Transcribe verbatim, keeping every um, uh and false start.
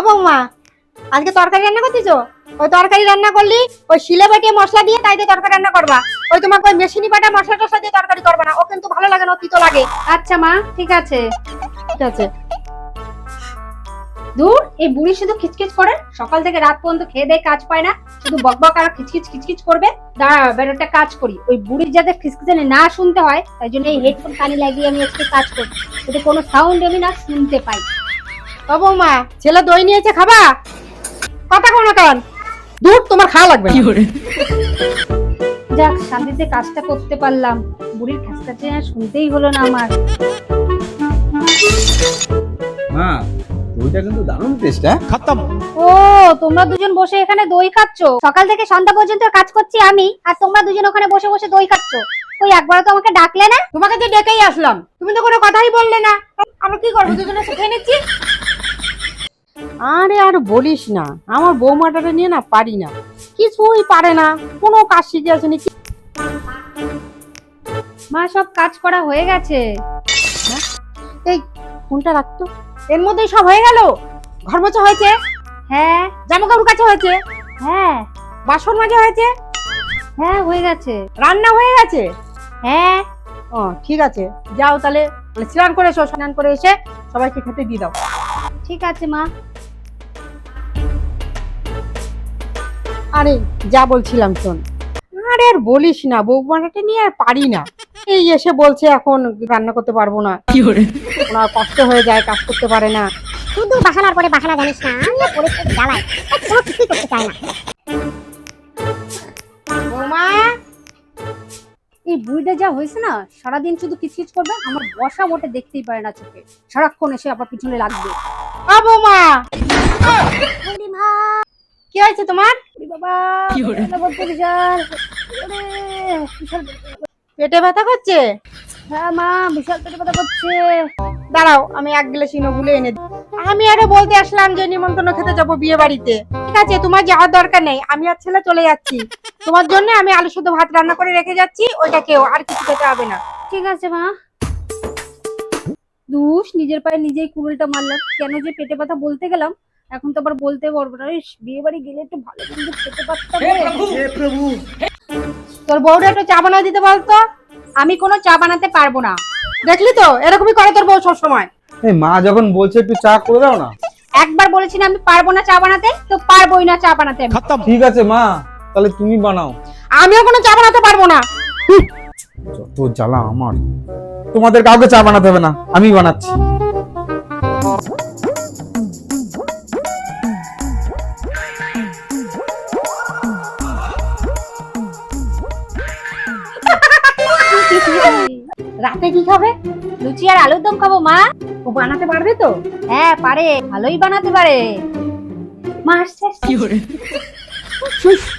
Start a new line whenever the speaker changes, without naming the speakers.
বৌমা, আজকে তরকারি রান্না করতেছো? ওই তরকারি রান্না করলি ওই শিলে বাটিয়ে মশলা দিয়ে তাই দিয়ে তরকারি রান্না করবা। ওই তোমাকে ওই মেশিনি বাটা মশলা টশলা দিয়ে তরকারি করবা না, ও কিন্তু ভালো লাগে না, ও তিতো লাগে।
আচ্ছা মা, ঠিক আছে।
ঠিক আছে।
দূর, এই বুড়ি শুধু খিচখিচ করে, সকাল থেকে রাত পর্যন্ত খেয়ে দেয় কাজ পায় না, শুধু বকবক আর খিচখিচ খিচখিচ করবে। দাঁড়া, এবার একটা কাজ করি, ওই বুড়ির যাতে খিচখিচানি না শুনতে হয় তাই জন্য এই হেডফোন কানে লাগিয়ে আমি আজকে কাজ করি, যাতে কোনো সাউন্ড আমি না শুনতে পাই।
ও বৌমা, ছেলে দই নিয়েছে, খাবা? কথা কোনো কান দূর, তোমার খাওয়া লাগবে না।
যাক, শান্তিতে কাজটা করতে পারলাম, বুড়ির খিচখিচানি আর শুনতেই হলো না আমার।
মা, দইটা কিন্তু দারুণ টেস্ট। হ্যাঁ, খতম।
ও, তোমরা দুজন বসে এখানে দই খাচ্ছো? সকাল থেকে সন্ধ্যা পর্যন্ত কাজ করছি আমি, আর তোমরা দুজন ওখানে বসে বসে দই খাচ্ছো। ওই একবার তো আমাকে ডাকলে না?
তোমাকে তো ডেকেই আসলাম, তুমি তো কোনো কথাই বললে না। আমরা কি করবো, দুজনে এসে খেয়ে নিচ্ছি। আরে আর বলিস না, আমার বৌমাটাকে নিয়ে না পারি না, কিছুই পারে না, কোনো কাজ শিখে আসেনি।
মা, সব কাজ করা হয়ে গেছে।
এই ফোনটা রাখতো, এর মধ্যেই সব হয়ে গেল। ঘর মোছা হয়েছে,
হ্যাঁ
জামা কাপড় কাচা হয়েছে,
হ্যাঁ
বাসন মাজা হয়েছে,
হ্যাঁ হয়ে গেছে।
রান্না হয়ে গেছে।
হ্যাঁ,
ও ঠিক আছে, যাও তাহলে স্নান করে এসো, স্নান করে এসে সবাইকে খেতে দিয়ে দাও।
ঠিক আছে মা।
আরে যা বলছিলাম শোন, আরে আর বলিস না, বৌমাটাকে নিয়ে আর পারি না। এই এসে বলছে এখন রান্না করতে পারবো না, ওনার কষ্ট হয়ে যায়, কাজ করতে পারে না।
শুধু বাহানার পরে বাহানা, জানিস না আমি পরিস্থিতি জ্বালাই, কোনো কিছুই করতে চাই না।
বৌমা,
এই বুড়িটা যা হয়েছে না, সারাদিন শুধু কিচকিচ করবে, আমার বসা মোটে দেখতেই পারে না চোখে, সারাক্ষণ এসে আবার পিছনে লাগবে।
ও বৌমা,
বুড়িমা,
কি হয়েছে তোমার?
বাবা, ব্যথা করছে বিশাল। ওরে, বিশাল
পেটে ব্যথা করছে?
হ্যাঁ মা, বিশাল পেটে ব্যথা করছে।
দাঁড়াও, আমি এক গ্লাস ইনোগুলো এনে দিই। আমি আরে বলতে আসলাম যে নিমন্ত্রণ খেতে যাবো বিয়ে বাড়িতে। ঠিক আছে, তোমার যাওয়ার দরকার নেই, আমি আর ছেলে চলে যাচ্ছি। তোমার জন্য আমি আলু শুদ্ধ ভাত রান্না করে রেখে যাচ্ছি, ওইটা কেউ আর কিছু খেতে হবে না।
ঠিক আছে মা। দুষ, নিজের পায়ে নিজেই কুড়ুলটা মারলাম, কেন যে পেটে ব্যথা বলতে গেলাম, এখন তো আবার বলতে পারবো না। ইস, বিয়ে বাড়ি গেলে একটু ভালো মন্দ খেতে পারতাম রে।
তোর বউটা একটু চা বানিয়ে দিতে বলতো।
আমি কোনো চা বানাতে পারবো না।
দেখলি তো, এরকমই করে তোর বউ সব সময়।
এই মা যখন বলছে একটু চা করে দাও না।
একবার বলেছি না আমি পারবো না চা বানাতে, তো পারবোই না চা বানাতে আমি।
খতম। ঠিক আছে মা, তাহলে তুমি বানাও।
আমিও কোনো চা বানাতে পারবো না।
যত জ্বালা আমার। তোমাদের কাউকে চা বানাতে হবে না, আমি বানাচ্ছি।
রাতে কি খাবে?
লুচি আর আলুর দম খাবো মা।
ও বানাতে পারবে তো?
হ্যাঁ পারে, ভালোই বানাতে পারে। মা আসছে।
শুস,